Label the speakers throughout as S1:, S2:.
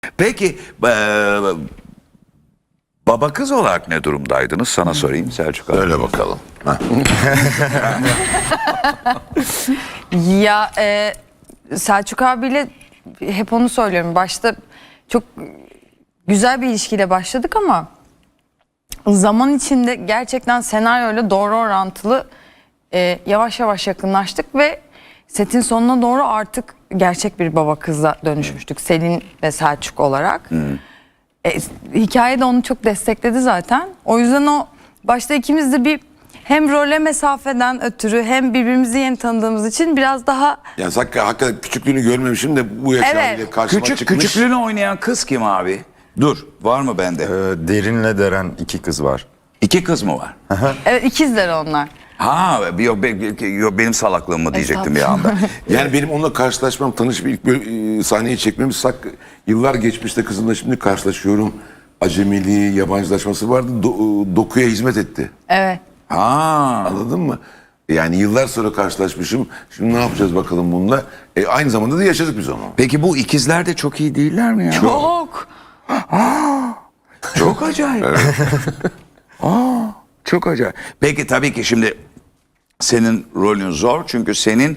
S1: Peki baba kız olarak ne durumdaydınız? Sana sorayım Selçuk abi.
S2: Öyle bakalım.
S3: Ya Selçuk abiyle hep onu söylüyorum. Başta çok güzel bir ilişkiyle başladık ama zaman içinde gerçekten senaryoyla doğru orantılı yavaş yavaş yakınlaştık ve setin sonuna doğru artık gerçek bir baba kıza dönüşmüştük. Selin ve Selçuk olarak. Hikaye de onu çok destekledi zaten. O yüzden o başta ikimiz de bir hem role mesafeden ötürü hem birbirimizi yeni tanıdığımız için biraz daha...
S2: Yani hakikaten küçüklüğünü görmemişim de bu yaşta
S3: Evet.
S2: bile karşıma çıkmış.
S1: Küçüklüğünü oynayan kız kim abi? Dur, var mı bende?
S4: Derin'le Deren iki kız var.
S1: 2 kız mı var?
S3: Evet, ikizler onlar.
S1: Ha, yok, benim salaklığım mı diyecektim bir anda.
S2: Yani benim onunla karşılaşmam, tanışıp ilk böyle sahneyi çekmemiz yıllar geçmişte kızımla şimdi karşılaşıyorum. Acemiliği, yabancılaşması vardı. Dokuya hizmet etti.
S3: Evet.
S1: Ha.
S2: Anladın mı? Yani yıllar sonra karşılaşmışım. Şimdi ne yapacağız bakalım bununla? Aynı zamanda da yaşadık biz onu.
S1: Peki bu ikizler de çok iyi değiller mi ya?
S3: Çok.
S1: Çok acayip. Çok acayip. Peki tabii ki şimdi senin rolün zor çünkü senin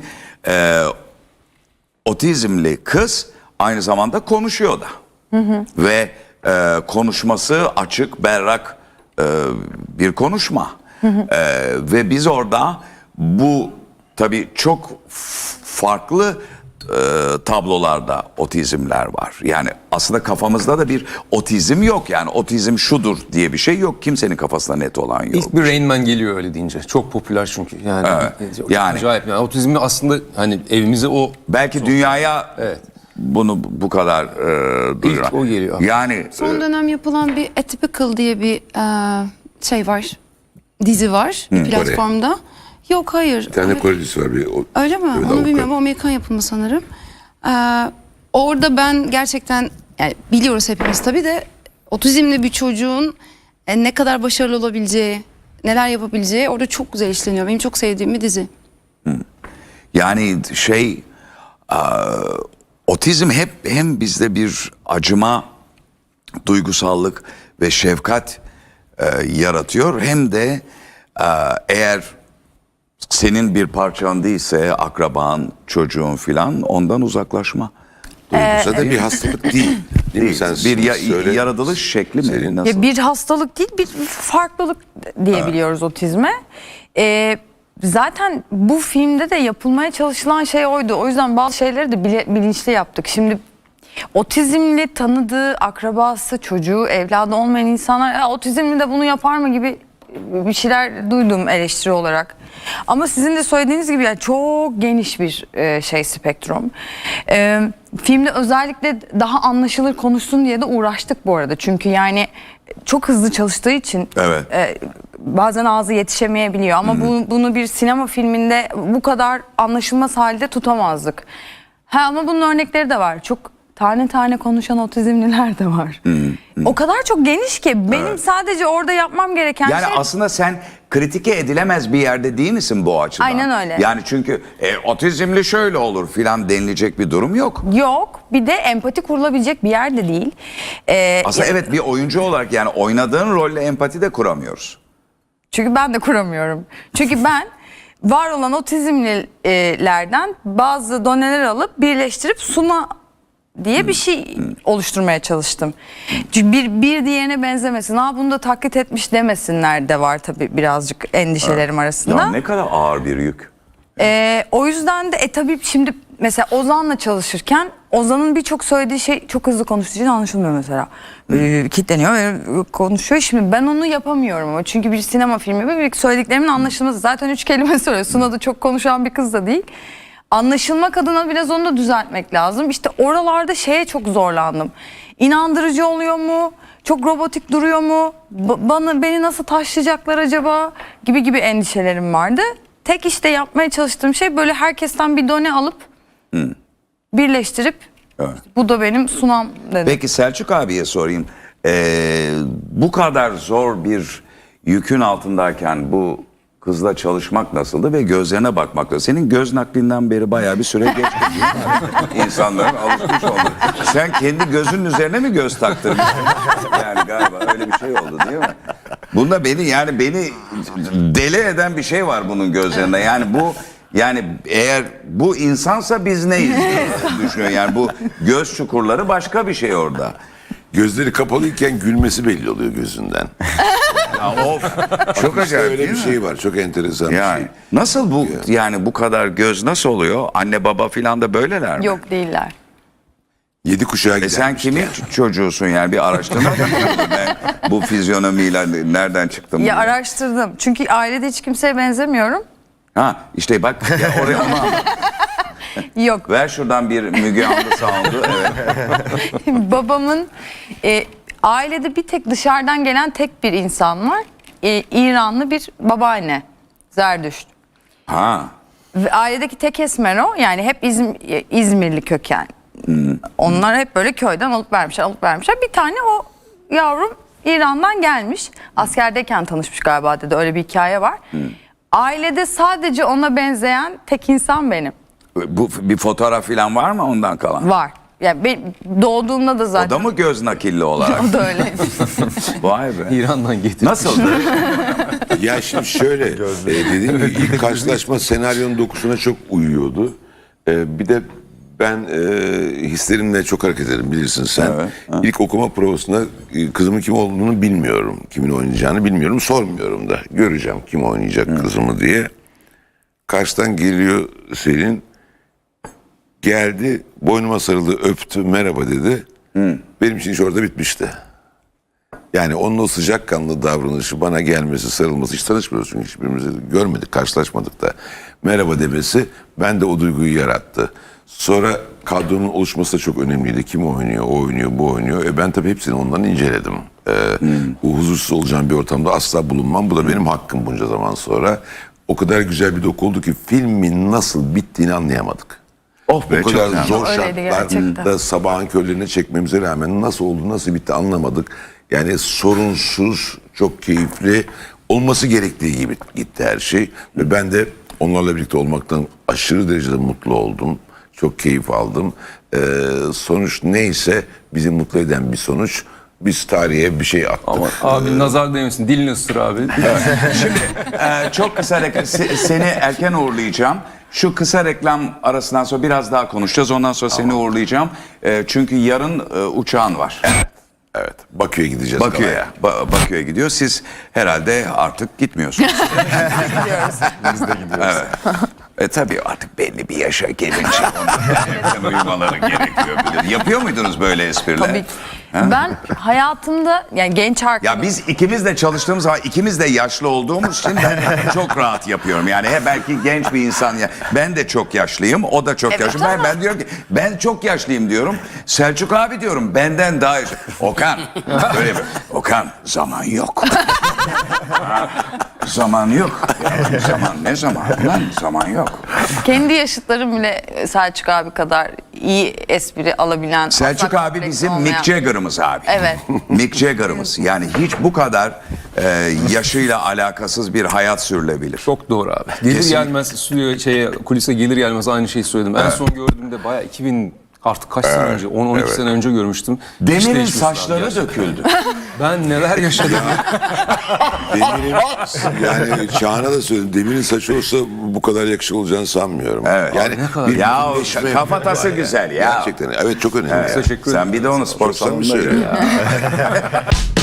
S1: otizmli kız aynı zamanda konuşuyor da. Ve konuşması açık, berrak bir konuşma. Ve biz orada bu tabii çok farklı tablolarda otizmler var. Yani aslında kafamızda da bir otizm yok. Yani otizm şudur diye bir şey yok. Kimsenin kafasında net olan yok.
S5: İlk bir Rain Man geliyor öyle deyince. Çok popüler çünkü. Yani,
S1: Yani.
S5: acayip. Yani otizmle aslında hani evimize o
S1: Belki dünyaya bunu bu kadar duyuran.
S5: İlk o geliyor.
S1: Yani
S6: Son dönem yapılan bir Atypical diye bir şey var. Dizi var bir platformda. Yok hayır.
S2: Bir tane Korelisi var.
S6: Öyle mi?
S2: Evet,
S6: Onu bilmiyorum. O Amerikan yapımı sanırım. Orada ben gerçekten yani biliyoruz hepimiz tabii de otizmli bir çocuğun ne kadar başarılı olabileceği, neler yapabileceği orada çok güzel işleniyor. Benim çok sevdiğim bir dizi.
S1: yani otizm hep hem bizde bir acıma, duygusallık ve şefkat yaratıyor hem de eğer senin bir parçan değilse akraban, çocuğun filan ondan uzaklaşma.
S2: Duygusa da bir hastalık değil. Değil mi? Sen
S1: Bir
S2: söyle.
S1: yaratılış şekli mi?
S2: Senin-
S1: Nasıl?
S3: Ya bir hastalık değil, bir farklılık diyebiliyoruz otizme. Zaten bu filmde de yapılmaya çalışılan şey oydu. O yüzden bazı şeyleri de bilinçli yaptık. Şimdi otizmli tanıdığı akrabası, çocuğu, evladı olmayan insanlar ya, otizmli de bunu yapar mı gibi bir şeyler duydum eleştiri olarak. Ama sizin de söylediğiniz gibi yani çok geniş bir spektrum. Filmde özellikle daha anlaşılır konuşsun diye de uğraştık bu arada. Çünkü yani çok hızlı çalıştığı için
S1: Evet.
S3: bazen ağzı yetişemeyebiliyor. Ama bunu bir sinema filminde bu kadar anlaşılmaz halde tutamazdık. Ama bunun örnekleri de var. Çok tane tane konuşan otizmliler de var. O kadar çok geniş ki benim sadece orada yapmam gereken
S1: Yani
S3: şey...
S1: aslında sen kritike edilemez bir yerde değil misin bu açıdan?
S3: Aynen öyle.
S1: Yani çünkü otizmli şöyle olur filan denilecek bir durum yok.
S3: Yok. Bir de empati kurulabilecek bir yer de değil.
S1: Aslında evet bir oyuncu olarak yani oynadığın rolle empati de kuramıyoruz.
S3: Çünkü ben de kuramıyorum. Çünkü ben var olan otizmlilerden bazı doneler alıp birleştirip Suna diye bir şey oluşturmaya çalıştım. Çünkü bir diğerine benzemesin. Bunu da taklit etmiş demesinler de var tabii birazcık endişelerim arasında.
S1: Ya ne kadar ağır bir yük.
S3: O yüzden de tabii şimdi mesela Ozan'la çalışırken Ozan'ın birçok söylediği şey çok hızlı konuştuğu için anlaşılmıyor mesela. Kitleniyor ve konuşuyor. Şimdi ben onu yapamıyorum ama çünkü bir sinema filmi ve bir söylediklerimin anlaşılması. Zaten 3 kelime söylüyor. Suna da çok konuşan bir kız da değil. Anlaşılmak adına biraz onu da düzeltmek lazım. İşte oralarda çok zorlandım. İnandırıcı oluyor mu? Çok robotik duruyor mu? Beni nasıl taşlayacaklar acaba? Gibi endişelerim vardı. Tek işte yapmaya çalıştığım şey böyle herkesten bir done alıp birleştirip bu da benim Sunam dedim.
S1: Peki Selçuk abiye sorayım. Bu kadar zor bir yükün altındayken bu kızla çalışmak nasıldı ve gözlerine bakmak nasıl? Senin göz naklinden beri bayağı bir süre geçti. İnsanların alışmış oldu. Sen kendi gözünün üzerine mi göz taktırmışsın? Yani galiba öyle bir şey oldu değil mi? Bunda beni deli eden bir şey var bunun gözlerinde. Yani eğer bu insansa biz neyiz diye düşünüyor. Yani bu göz çukurları başka bir şey orada.
S2: Gözleri kapalıyken gülmesi belli oluyor gözünden.
S1: Ya of, çok acayip
S2: Öyle
S1: değil
S2: bir
S1: mi?
S2: şey var. Çok enteresan bir
S1: Yani
S2: şey.
S1: nasıl bu yani bu kadar göz nasıl oluyor? Anne baba filan da böyleler mi?
S3: Yok değiller.
S2: 7 kuşağa gider.
S1: Sen kimin çocuğusun yani bir araştırma mı yapıyordun? Ben bu fizyonomiyle nereden çıktım?
S3: Ya
S1: diye.
S3: araştırdım. Çünkü ailede hiç kimseye benzemiyorum.
S1: Ha işte bak ya oraya onu anlat.
S3: Yok.
S1: Ver şuradan bir Müge Anlı sound'u. Evet.
S3: Babamın ailede bir tek dışarıdan gelen tek bir insan var. İranlı bir babaanne. Zerdüşt.
S1: Ha.
S3: Ve ailedeki tek esmer o. Yani hep İzmirli köken. Onlar hep böyle köyden alıp vermişler. Bir tane o yavrum İran'dan gelmiş. Askerdeyken tanışmış galiba dedi. Öyle bir hikaye var. Ailede sadece ona benzeyen tek insan benim.
S1: Bu bir fotoğraf filan var mı ondan kalan?
S3: Var. Yani doğduğumda da
S1: O
S3: zaten.
S1: da mı göz nakilli olarak?
S3: O da öyle.
S1: Vay be.
S5: İran'dan getirdi.
S1: Nasıldı?
S2: Ya şimdi şöyle dediğim gibi ilk karşılaşma senaryonun dokusuna çok uyuyordu. Bir de ben hislerimle çok hareket ederim bilirsin sen.
S1: Evet,
S2: İlk okuma provasında kızımın kim olduğunu bilmiyorum. Kimin oynayacağını bilmiyorum. Sormuyorum da. Göreceğim kim oynayacak kızımı diye. Karşıdan geliyor Selin. Geldi boynuma sarıldı öptü merhaba dedi. Benim için iş orada bitmişti. Yani onun o sıcakkanlı davranışı bana gelmesi, sarılması, hiç tanışmıyoruz çünkü hiçbirimizi görmedik, karşılaşmadık da. Merhaba demesi bende o duyguyu yarattı. Sonra kadronun oluşması da çok önemliydi. Kim oynuyor, o oynuyor, bu oynuyor. Ben tabii hepsini ondan inceledim. Bu huzursuz olacağım bir ortamda asla bulunmam. Bu da benim hakkım bunca zaman sonra. O kadar güzel bir doku oldu ki filmin nasıl bittiğini anlayamadık.
S1: Oh be
S2: O kadar
S1: çok
S2: zor
S3: Öyleydi gerçekten.
S2: şartlarda sabahın körlerine çekmemize rağmen nasıl oldu, nasıl bitti anlamadık. Yani sorunsuz, çok keyifli, olması gerektiği gibi gitti her şey. Ve ben de onlarla birlikte olmaktan aşırı derecede mutlu oldum. Çok keyif aldım. Sonuç neyse bizi mutlu eden bir sonuç. Biz tarihe bir şey attık.
S5: Ama abi nazar değmesin. Dilini ısır abi.
S1: Şimdi çok kısa seni erken uğurlayacağım. Şu kısa reklam arasından sonra biraz daha konuşacağız. Ondan sonra seni uğurlayacağım. Çünkü yarın uçağın var.
S2: Evet. Bakü'ye gideceğiz.
S1: Bakü'ye. Bakü'ye gidiyor. Siz herhalde artık gitmiyorsunuz.
S4: Biz de gidiyoruz.
S1: Evet. Tabii artık belli bir yaşa gelince erken uyumaları gerekiyor. Yapıyor muydunuz böyle espriler?
S3: Tabii. Ben hayatımda yani genç arkadaşım.
S1: Ya biz ikimiz de çalıştığımız zaman ikimiz de yaşlı olduğumuz için ben çok rahat yapıyorum. Yani belki genç bir insan ya. Ben de çok yaşlıyım. O da çok
S3: Evet,
S1: yaşlı.
S3: ama-
S1: Ben diyorum ki ben çok yaşlıyım diyorum. Selçuk abi diyorum benden daha yaşlı. Okan. Böyle bir, Okan zaman yok. Zaman yok. Ya, ne zaman lan zaman yok.
S3: Kendi yaşıtlarım bile Selçuk abi kadar iyi espri alabilen.
S1: Selçuk
S3: asla
S1: abi
S3: kompleksi
S1: bizim
S3: olmayan-
S1: Mick Jagger'ımız abi.
S3: Evet.
S1: Mick Jagger'ımız. Yani hiç bu kadar yaşıyla alakasız bir hayat sürülebilir.
S5: Çok doğru abi. Gelir
S1: Kesinlikle.
S5: gelmez stüdyoya kulise gelir gelmez aynı şeyi söyledim. En son gördüğümde bayağı 2000 artık kaç sene önce 10-12 sene önce görmüştüm. Hiç
S1: Demir'in
S5: değişmesin abi
S1: saçları
S5: gerçekten.
S1: döküldü.
S5: Ben neler yaşadım.
S2: Demir'in yani Çağan'a da söyledim. Demir'in saçı olsa bu kadar yakışıklı olacağını sanmıyorum.
S1: Evet.
S2: Yani
S5: Ne kadar-
S2: bir
S1: Ya
S2: birleşme
S1: kafatası
S2: var
S1: güzel ya.
S2: Gerçekten. Evet çok önemli.
S5: Teşekkür
S1: Sen bir de onu spor
S2: Çok samimi
S1: salonunda
S2: söylüyorum.
S1: gör.